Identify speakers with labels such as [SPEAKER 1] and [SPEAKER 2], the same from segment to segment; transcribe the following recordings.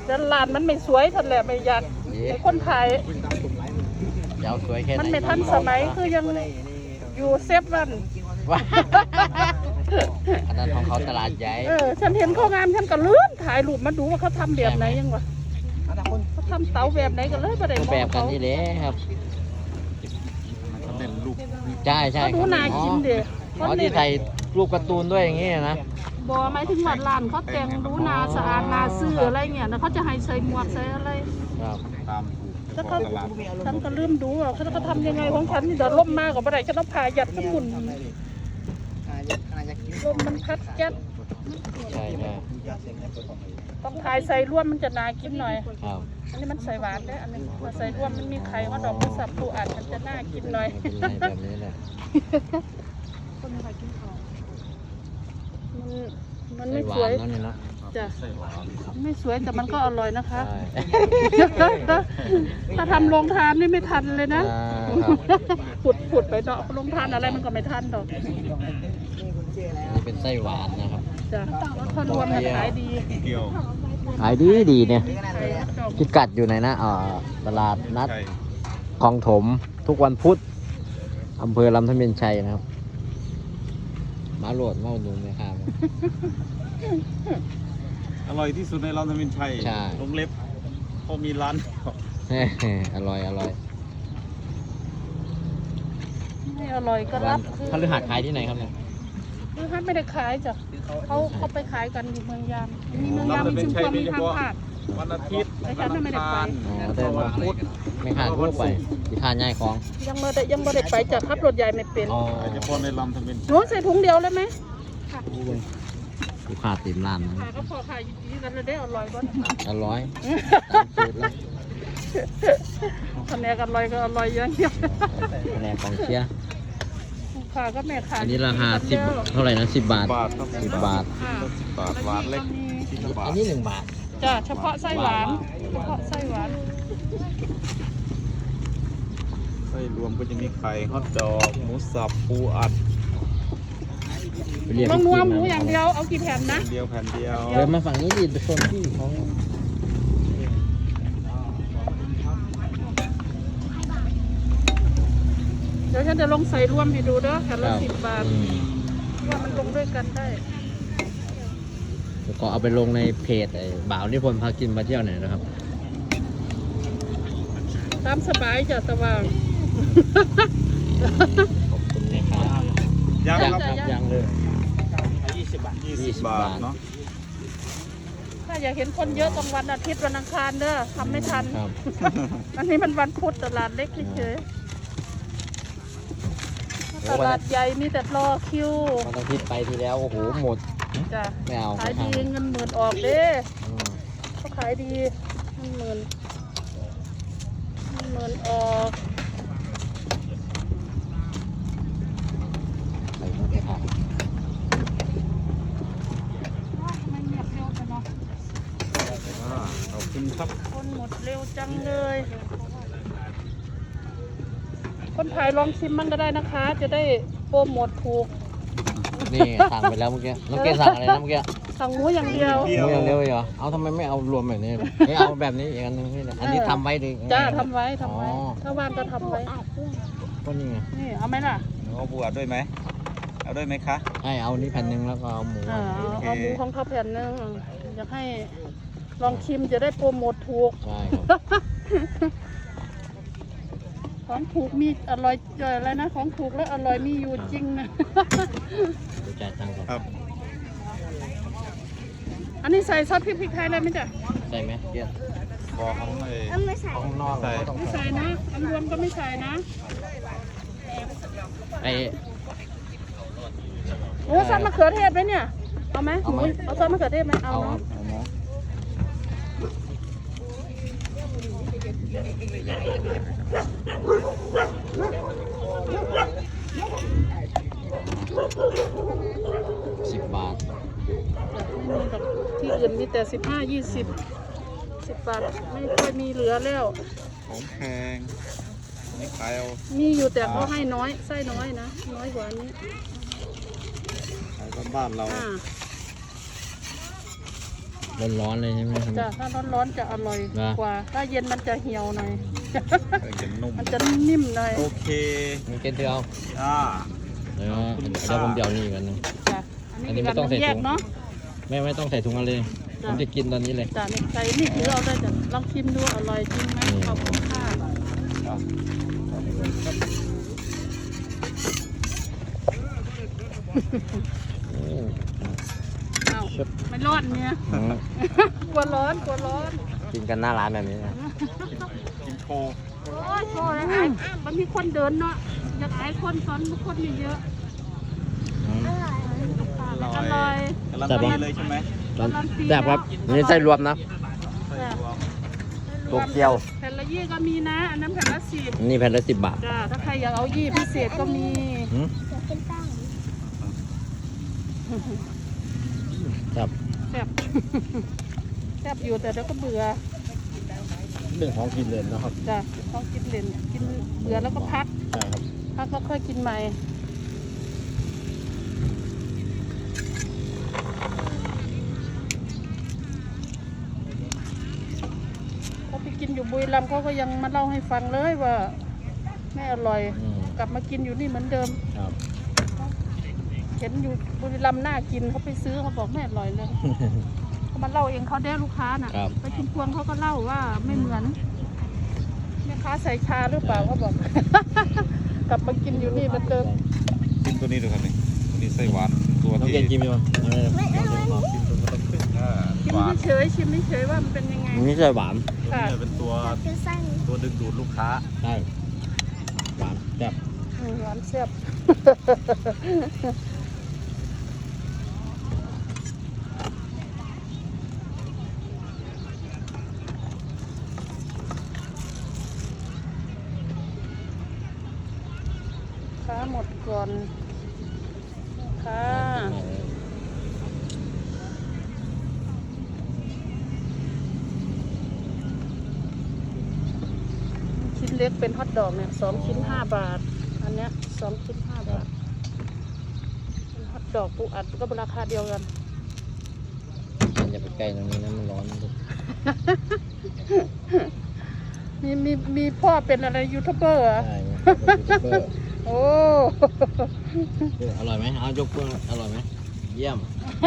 [SPEAKER 1] แต่ร้านมันไม่สวยทันแหละไม่อยากไอ้คนถ่าย
[SPEAKER 2] ยาวสวยแค่ไหน
[SPEAKER 1] มันไม่ทันสมัยคือยังอยู่เซฟวัน
[SPEAKER 2] อันนั้นของเขาตลาดใหญ่
[SPEAKER 1] ฉันเห็นเขางามฉันก็เลื่อนถ่ายรูปมาดูว่าเขาทำแบบไหนยังวะเขาทำเตาแบบไหนกันเลยประเดี๋ยว
[SPEAKER 2] แบบกันนี่เลยครับ
[SPEAKER 3] เป็นลูก
[SPEAKER 2] ใช่ใช่
[SPEAKER 1] ดูน่ากินเดี๋ยว
[SPEAKER 2] ที่ใส่รูปการ์ตูนด้วยอย่างงี้นะ
[SPEAKER 1] บอหมายถึงวัดร้านเขาแต่งดูนาสะอาดนาซื่ออะไรเงี้ยแล้วเขาจะให้ใส่หมวกใส่อะไร
[SPEAKER 2] ครับ
[SPEAKER 3] ตาม
[SPEAKER 1] แล้วเขาฉันก็ลืมดูว่าเขาทำยังไงของฉันนี่เดี๋ยวล่มมากกว่าอะไรฉันต้องพายัดขึ้นหุ่นลมมันพัดยัด
[SPEAKER 2] ใช่ใช่
[SPEAKER 1] ต้องทายใส่ร่วมมันจะน่ากินหน่อย
[SPEAKER 2] ครับ
[SPEAKER 1] อันนี้มันใส่หวานด้วยอันนี้มาใส่ร่วมมันมีไข่ว่าดอกสับปูอัดมันจะน่ากินหน่อย
[SPEAKER 2] แบบนี้แหละ
[SPEAKER 1] มันไม่สวยจ้ะไม่สวยแต่มันก็อร่อยนะคะถ้าทำโรงทานนี่ไม่ทันเลยนะผุดไปเนาะโรงทานอะไรมันก็ไม่ทันดอก
[SPEAKER 2] นี่เป็นไส้หวานนะครับ
[SPEAKER 1] จ้ะถ้ารวมขายดี
[SPEAKER 2] ขายดีเนี่ยพิกัดอยู่ไหนนะตลาดนัดคลองถมทุกวันพุธอำเภอลำธารชัยนะครับมาโหลดมาดูไหมครับ
[SPEAKER 3] อร่อยที่สุดในลำธารชัยลงเล็บพอมีร้าน
[SPEAKER 2] อร่อย
[SPEAKER 1] ไม่อร่อยก็รับ
[SPEAKER 2] เขาลือหาขายที่ไหนครับเนี่ย
[SPEAKER 1] ลือหาไม่ได้ขายจ้ะเขาไปขายกันอยู่เมืองยามมีเมืองยามมีชุมพรมีทางผ่าน
[SPEAKER 3] วันอาทิตย์
[SPEAKER 1] วันอังคาร
[SPEAKER 2] แต่วันพุธไม่ขาดทั่วไปที่ขาดง่ายของ
[SPEAKER 1] ยังไม่ได้ไปจากขับรถใหญ่ไม่เป็น
[SPEAKER 3] เฉพาะในลำธาร
[SPEAKER 1] หนูใส่ถุงเดียวเลยไหม
[SPEAKER 2] ลูกค้าติดร้านนะ
[SPEAKER 1] ก็พอขายดีกันเลยได้อร่อยกว่า
[SPEAKER 2] อร่อยตามสูตรแล้ว
[SPEAKER 1] คะแนนอร่อยก็อร่อยอย่างเดียว
[SPEAKER 2] คะแนนของเชียร์
[SPEAKER 1] ค่ะก็แม่ค่ะ
[SPEAKER 2] อันนี้ราคา10เท่าไหร่นะ10 บาท10 บาท
[SPEAKER 3] หวานเล็ก
[SPEAKER 2] อันนี้1 บาท
[SPEAKER 1] จ้ะเฉพาะไส้หวานไส้
[SPEAKER 3] รวมก็จะมีไข่ฮอทดอกหมูสับปูอัด
[SPEAKER 1] ต้องนัวหมูอย่างเดียวเอากี่แผ่นนะ
[SPEAKER 3] แผ่นเดียว
[SPEAKER 2] เดินมาฝั่งนี้ดิไปชมที่เขา
[SPEAKER 1] เดี๋ยวฉันจะลงใส่รวมให้ดูเด้อแผ่นละ10 บาทว่ามันลงด้วยกันได้
[SPEAKER 2] แล้วก็เอาไปลงในเพจบ่าวนิพนธ์พากินมาเที่ยวไหนนะครับ
[SPEAKER 1] ตามสบายจ้ะสว่าง
[SPEAKER 2] ขอบคุณนะครับยังเลย
[SPEAKER 3] 20 บาทเนาะ
[SPEAKER 1] ถ้าอยากเห็นคนเยอะตรงวันอาทิตย์วันอังคารเด้อทำไม่ทันอันนี้มันวันพุธตลาดเล็กเฉยตลาดใหญ่มีแต่รอคิว
[SPEAKER 2] วันอาทิตย์ไปทีแล้วโอ้โหหมด
[SPEAKER 1] จ้ะ
[SPEAKER 2] ไม่เอา
[SPEAKER 1] ขายดีเงิน10,000ออกเด้เขาขายดีเงิน10,000ออก
[SPEAKER 2] ไปหมดเลยครับ
[SPEAKER 1] ไม่เงียบเร็วจังเนาะ
[SPEAKER 3] ขอบคุณครับ
[SPEAKER 1] คนหมดเร็วจังเลยคนถ่ายลองชิมมันก็ได้นะคะจะได้โปรโมทถูก
[SPEAKER 2] นี่สั่งไปแล้วเมื่อกี้น้องเกสั่งอะไรนะเมื่อกี้
[SPEAKER 1] สั่งหมูอย่างเดียว
[SPEAKER 2] หมูอย่างเดียวเหรอเอาทำไมไม่เอารวมแบบนี้ไม่เอาแบบนี้อีกอันนึงอันนี้ทำไว้ดิ
[SPEAKER 1] จ้าทำไว้ถ้าว่างก็ทำไว้
[SPEAKER 2] ก็นี่ไง
[SPEAKER 1] นี่เอาไหมล่ะ
[SPEAKER 3] เอาปูอัดด้วยไหมเอาด้วยไหมคะ
[SPEAKER 2] ให้เอานี่แผ่นนึงแล้วก็เอาหมู
[SPEAKER 1] เอาหมูของเขาแผ่นนึงอยากให้ลองชิมจะได้โปรโมทถูก
[SPEAKER 2] ใช่ครับ
[SPEAKER 1] ของถูกมีอร่อยอะไรนะของถูกและอร่อยมีอยู่จริงนะ
[SPEAKER 2] จ่ายตังค์ครับ
[SPEAKER 1] อันนี้ใส่ซอสพริกไทยได้ไหมจ๊ะ
[SPEAKER 2] ใส่ไหมเกี๊ยว
[SPEAKER 3] ของ
[SPEAKER 2] ไม่ใส่ของนอก
[SPEAKER 1] ไม่ใส่นะอันรวมก็ไม่ใส่นะโอ้ซอสมะเขือเทศไหมเนี่ยเอาไหมเอาซอสมะเขือเทศไหมเอาเนาะ
[SPEAKER 2] 10 บาท
[SPEAKER 1] ที่อื่นมีแต่15-20 10 บาทไม่ค่อยมีเหลือแล้ว
[SPEAKER 3] ของแพงนี่ขายเอา
[SPEAKER 1] มีอยู่แต่เขาให้น้อยไส้น้อยนะน้อยกว่านี้
[SPEAKER 3] ขายบ้านเรา
[SPEAKER 2] ร้อนๆเลยใช่ไหมครับ
[SPEAKER 1] จ้ะถ้าร้อนๆจะอร่อย
[SPEAKER 2] นะ
[SPEAKER 1] กว่า ถ้าเย็นมันจะเหี่ยวหน่อย
[SPEAKER 3] จะนุ่ม
[SPEAKER 1] มันจะนิ่มหน่อย
[SPEAKER 3] โอเค
[SPEAKER 2] มีเกล็ดเดียว
[SPEAKER 3] อ่า
[SPEAKER 2] เดี๋ยวผมเดี๋ยวนี่อีกอันหนึง
[SPEAKER 1] จ้ะ
[SPEAKER 2] อันนี้ไม่ต้องใส่
[SPEAKER 1] แย
[SPEAKER 2] ถุ
[SPEAKER 1] ก
[SPEAKER 2] ง
[SPEAKER 1] เนาะ
[SPEAKER 2] ไม่ต้องใส่ถุงอะไรเลยผ
[SPEAKER 1] จ้ะ
[SPEAKER 2] มจะกินตอนนี้เลย
[SPEAKER 1] จ้ะนี่ใส่นี่ถือเอาได้จ้ะลองชิมดูอร่อยจริงไหม
[SPEAKER 2] นี่
[SPEAKER 1] ขอบคุณค่ะอ้าวไม่ร้อนเนี่ย
[SPEAKER 2] อืม
[SPEAKER 1] กลัวร้อนกลัวร้อน
[SPEAKER 2] กินกันหน้าร้านแบบนี้นะ
[SPEAKER 3] กินโค
[SPEAKER 1] โอ้ยโชว์เลยไอ้มันมีคนเดินเนาะอยากไอ้คนสอนคนมีเยอะ
[SPEAKER 2] อืม
[SPEAKER 1] อร่อย
[SPEAKER 3] กำลังดีเลยใช่ไหม
[SPEAKER 2] แซ่บครับอันนี้ไส้รวมนะ
[SPEAKER 3] ใส่รวม
[SPEAKER 2] โตเกียว
[SPEAKER 1] แผ่นละยี่ก็มีนะ อันนั้นแผ่นละ10
[SPEAKER 2] อันนี้แผ่นละ10 บาท
[SPEAKER 1] จ้าถ้าใครอยากเอายี่พิเศษก็มี
[SPEAKER 2] หืมครับ
[SPEAKER 1] แซ่บ แซ่บอยู่แต่เดี๋ยวก็เบื่อ
[SPEAKER 2] เรื่องของกินเลยนะครับ
[SPEAKER 1] จ้ะต้องกินเล่นกินเบื่อแล้วก็พัก
[SPEAKER 2] ใช่ครับ
[SPEAKER 1] พักก็ค่อยกินใหม่เขาไปกินอยู่บุรีรัมย์เขาก็ยังมาเล่าให้ฟังเลยว่าไม่อร่อย
[SPEAKER 2] อืม
[SPEAKER 1] กลับมากินอยู่นี่เหมือนเดิม
[SPEAKER 2] ครับ
[SPEAKER 1] เห็นอยู่บุรีรัมย์น่ากินเขาไปซื้อเขาบอกไม่อร่อยเลย เขามาเล่าเองเขาได้ลูกค้าน่ะ
[SPEAKER 2] ครับ
[SPEAKER 1] ไปชุมพวงเขาก็เล่าว่าไม่เหมือนแม่ค้าใส่ชาหรือเปล่าเขาบอก กลับมากินอยู่นี่เหมือนเดิม
[SPEAKER 3] ชิมตัวนี้ดูครับนี่ตัวนี้ไส้หวานตัว
[SPEAKER 2] น้อง
[SPEAKER 3] ที่
[SPEAKER 2] เกนกินไหมวะ
[SPEAKER 3] ชิมตัวก็ต้องขึ้น
[SPEAKER 1] ชิม
[SPEAKER 3] หวาน
[SPEAKER 1] เฉยๆชิมเฉยๆว่ามันเป็นยังไง
[SPEAKER 2] อันนี้ไส้หวาน
[SPEAKER 1] ค่ะ
[SPEAKER 3] เนี่ยเป็นตัวดึงดูดลูกค้า
[SPEAKER 2] ใช่หวานแซ่บ
[SPEAKER 1] หวานแซ่บ ค้าหมดก่อนค่ะชิ้นเล็กเป็นฮอทดอกเนี่ย2 ชิ้น 5 บาท อันเนี้ย2 ชิ้น 5 บาทเป็นฮอทดอกปูอัดก็ราคาเดียวกัน
[SPEAKER 2] มันอย่าไปใกล้ตรงนี้นะมันร้อน
[SPEAKER 1] มีพ่อเป็นอะไรยูทูบเบอร์เหรอ
[SPEAKER 2] ใช่เป็นยูทูบเบอร์
[SPEAKER 1] โอ้
[SPEAKER 2] อร่อยไหมเอายกเพื่อนอร่อยไหมเยี่ยม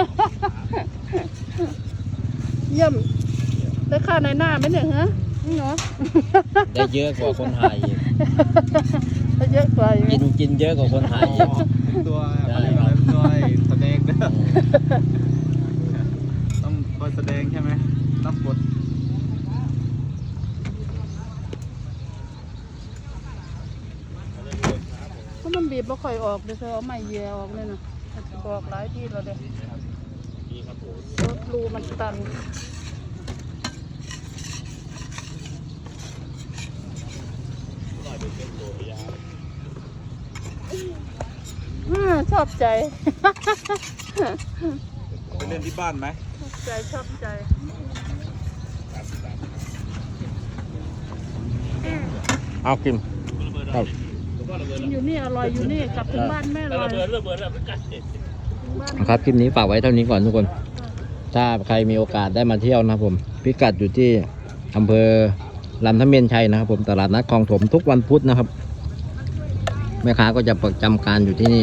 [SPEAKER 1] เยี่ยมได้ค่าในหน้าไหมเนี่ยฮะนี่เนาะ
[SPEAKER 2] ได้เยอะกว่าคนถ่ายอีก
[SPEAKER 1] ได้เยอะกว่าอีก
[SPEAKER 2] กินเยอะกว่าคนถ่ายอีก
[SPEAKER 3] ตัวอะไรตัวแสดงนะต้องคอยแสดงใช่ไหมรับบท
[SPEAKER 1] เพราะมันบีบไม่ค่อยออกเดี๋ยวเธอเอาไม้เยียออกเลยนะบอกหลายที่แล้วเด็กรถรูมันตันชอบใจ
[SPEAKER 3] ไปเล่นที่บ้านไหม
[SPEAKER 1] ชอบใจชอบใจ
[SPEAKER 2] เอากินครับ
[SPEAKER 1] กินอยู่นี่อร่อยอยู่นี่กลับถึงบ้านแม่อร่อยถึงบ้าน
[SPEAKER 2] ครับคลิปนี้ฝากไว้เท่านี้ก่อนทุกคน ถ้าใครมีโอกาสได้มาเที่ยวนะครับผม พิกัดอยู่ที่อำเภอลำทะเมียนชัยนะครับผมตลาดนัดคลองถมทุกวันพุธนะครับ แม่ค้าก็จะประจำการอยู่ที่นี่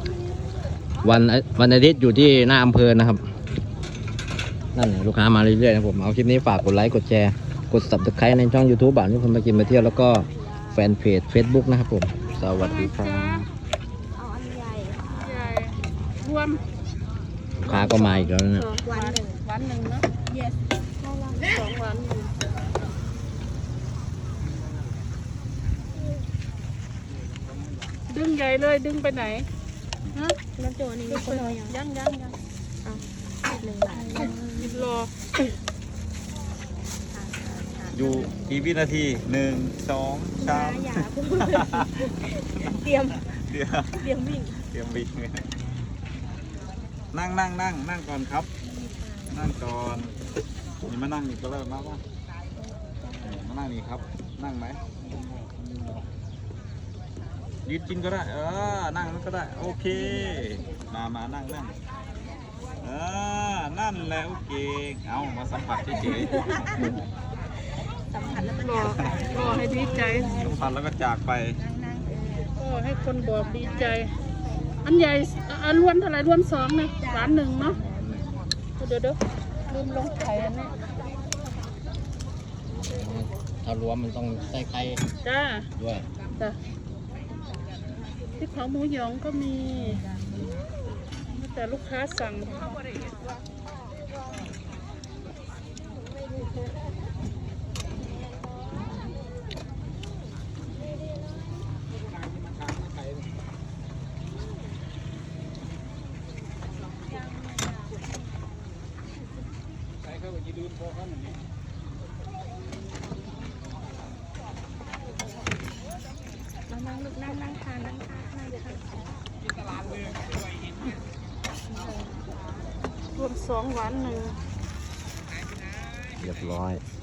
[SPEAKER 2] วันอาทิตย์อยู่ที่หน้าอำเภอนะครับ นั่นแหละลูกค้ามาเรื่อยๆนะครับผม เอาคลิปนี้ฝากกดไลค์กดแชร์กด subscribe ในช่อง YouTube บ้านที่คนมากินมาเที่ยวแล้วก็แฟนเพจ Facebook นะครับผม สวัสดีครับ
[SPEAKER 4] เอาอันใหญ่ค่ะ
[SPEAKER 1] ใหญ่รวม
[SPEAKER 2] ลูกค้าก็มาอีกแล้วนะ
[SPEAKER 1] วันหนึ่งนะ
[SPEAKER 4] yes ได้แล้ว
[SPEAKER 1] 2 วันอยู่ดึงใหญ่เลยดึงไปไหนฮะ
[SPEAKER 4] น้ำตัวนี้
[SPEAKER 1] ดึ
[SPEAKER 4] มี
[SPEAKER 1] ง
[SPEAKER 4] ค
[SPEAKER 1] ไป
[SPEAKER 4] น
[SPEAKER 1] ไหน
[SPEAKER 4] เอายัง
[SPEAKER 1] ยัง
[SPEAKER 4] 1 บาท
[SPEAKER 1] หยิบรอ
[SPEAKER 3] อยู่กี่วินาที1 2
[SPEAKER 4] อย่า
[SPEAKER 3] 3
[SPEAKER 4] อย่าเพิ่งเตรียม
[SPEAKER 3] เดี๋ยว
[SPEAKER 4] เตรียมวิ่ง
[SPEAKER 3] เตรียมวิ่งนั่งก่อนครับ นั่งก่อนนี่มานั่งนี่ก็เริ่มมาป่ะมานั่งนี่ครับ นั่งไหมยืนกินก็ได้นั่งนั่นก็ได้โอเคมานั่งนั่นแหละโอเคเอามาสัมผัสเฉย
[SPEAKER 4] สัมผัสแล้วมัน
[SPEAKER 1] รอให้ดีใจ
[SPEAKER 3] ๆสัมผัสแล้วก็จากไป
[SPEAKER 4] นั่ง
[SPEAKER 1] ก็ให้คนบอกดีใจ อันใหญ่อันล้วนเท่าไหร่ล้วน2เนี่ยร้านหนึ่งเนาะเดี๋ยวลืมลงไข่อันนี้
[SPEAKER 2] ถ้ารวมมันต้องใส่ไข่
[SPEAKER 1] จ้า
[SPEAKER 2] ด้วย
[SPEAKER 1] จ้ะที่เผาหมูหยองก็มีแต่ลูกค้าสั่ง
[SPEAKER 4] นั่งลูกนั่งทานนั่งทานนั่งทาน
[SPEAKER 1] รวม2 หวาน 1
[SPEAKER 2] เรียบร้อย
[SPEAKER 1] ร